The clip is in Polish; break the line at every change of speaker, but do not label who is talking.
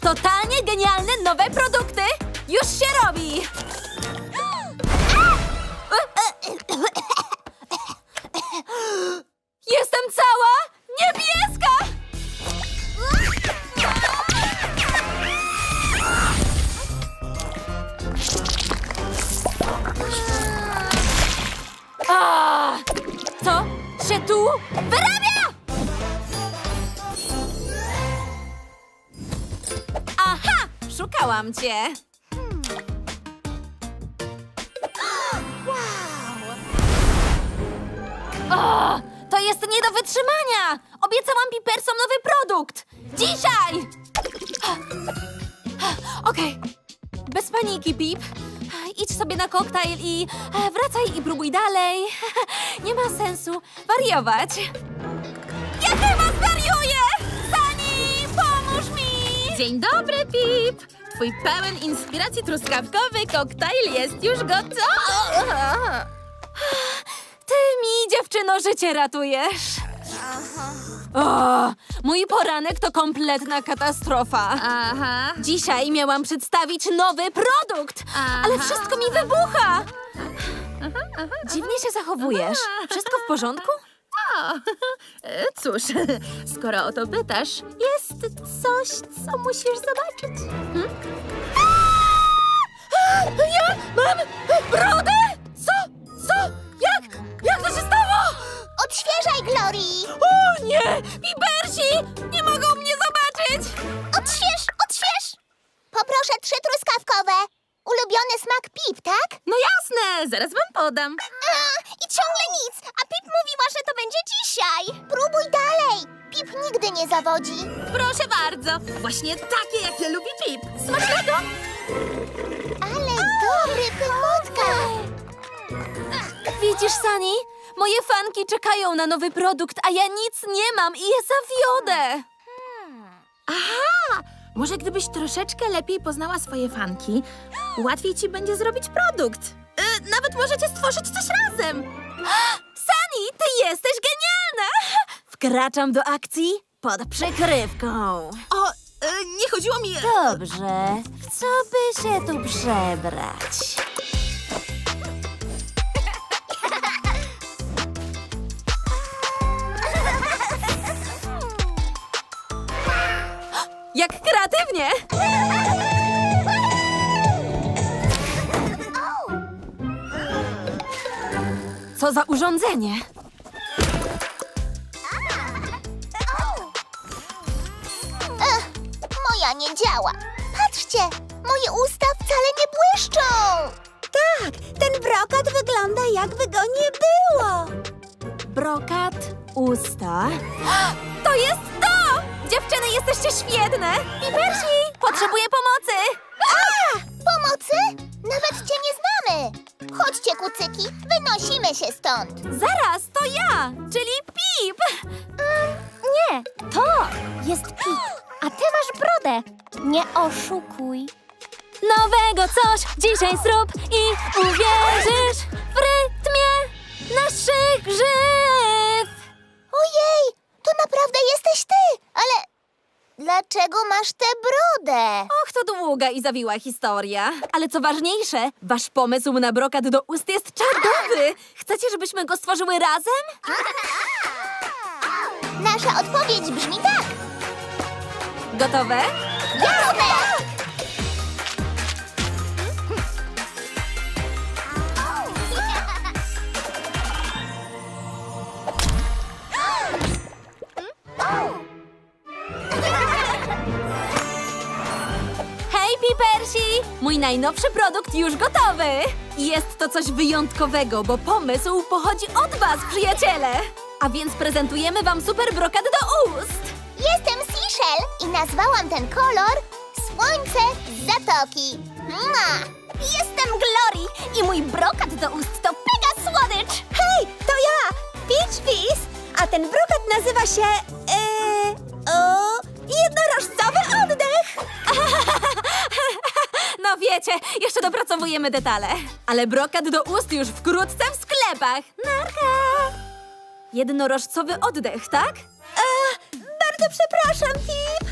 Totalnie genialne nowe produkty! Już się robi! Jestem cała niebieska! A, co się tu wyrabia? Aha! Szukałam cię! O, to jest nie do wytrzymania! Obiecałam Pipersom nowy produkt! Dzisiaj! Okej, bez paniki, Pip. Idź sobie na koktajl i wracaj i próbuj dalej. Nie ma sensu wariować. Ja chyba zwariuję! Sunny, pomóż mi!
Dzień dobry, Pip! Twój pełen inspiracji truskawkowy koktajl jest już gotowy!
Ty mi, dziewczyno, życie ratujesz. O, mój poranek to kompletna katastrofa.
Aha.
Dzisiaj miałam przedstawić nowy produkt,
Aha.
ale wszystko mi wybucha. Dziwnie się zachowujesz. Wszystko w porządku?
O, cóż, skoro o to pytasz, jest coś, co musisz zobaczyć.
Ja mam brodę? Co? Jak to się stało?
Odświeżaj, Glory!
O nie! Pipersi! Nie mogą mnie zobaczyć!
Odśwież! Poproszę 3 truskawkowe. Ulubiony smak Pip, tak?
No jasne, zaraz wam podam.
I ciągle nic, a Pip mówiła, że to będzie dzisiaj. Próbuj dalej. Pip nigdy nie zawodzi.
Proszę bardzo, właśnie takie, jakie lubi Pip. Smacznego!
Ale dobry pychotka.
Widzisz, Sunny? Moje fanki czekają na nowy produkt, a ja nic nie mam i je zawiodę.
Aha! Może gdybyś troszeczkę lepiej poznała swoje fanki, łatwiej ci będzie zrobić produkt. Nawet możecie stworzyć coś razem.
Sunny, ty jesteś genialna! Wkraczam do akcji pod przykrywką.
O, nie chodziło mi...
Dobrze, w co by się tu przebrać? Jak kreatywnie! Co za urządzenie?
Moja nie działa. Patrzcie, moje usta wcale nie błyszczą. Tak, ten brokat wygląda, jakby go nie było.
Brokat, usta. To jest to! Dziewczyny, jesteście świetne! Pipersi, potrzebuję pomocy!
Pomocy? Nawet cię nie znamy. Chodźcie, kucyki, wynosimy się stąd.
Zaraz, to ja, czyli Pip!
Nie, to jest Pip, a ty masz brodę. Nie oszukuj.
Nowego coś dzisiaj zrób i uwierzysz w rytmie naszych grzyw!
Ojej, to naprawdę jesteś ty, ale dlaczego masz tę brodę?
Och, to długa i zawiła historia. Ale co ważniejsze, wasz pomysł na brokat do ust jest czadowy! Chcecie, żebyśmy go stworzyły razem?
Nasza odpowiedź brzmi tak.
Gotowe?
Jasne!
Hej, Pipersi! Mój najnowszy produkt już gotowy! I jest to coś wyjątkowego, bo pomysł pochodzi od was, przyjaciele! A więc prezentujemy wam super brokat do ust!
Jestem Seashell i nazwałam ten kolor Słońce z Zatoki. Jestem Glory i mój brokat do ust to Pega Słodycz. Hej, to ja, Peach Fizz, a ten brokat nazywa się... jednorożcowy oddech.
No wiecie, jeszcze dopracowujemy detale. Ale brokat do ust już wkrótce w sklepach. Narka! Jednorożcowy oddech, tak?
Bardzo przepraszam, Pip.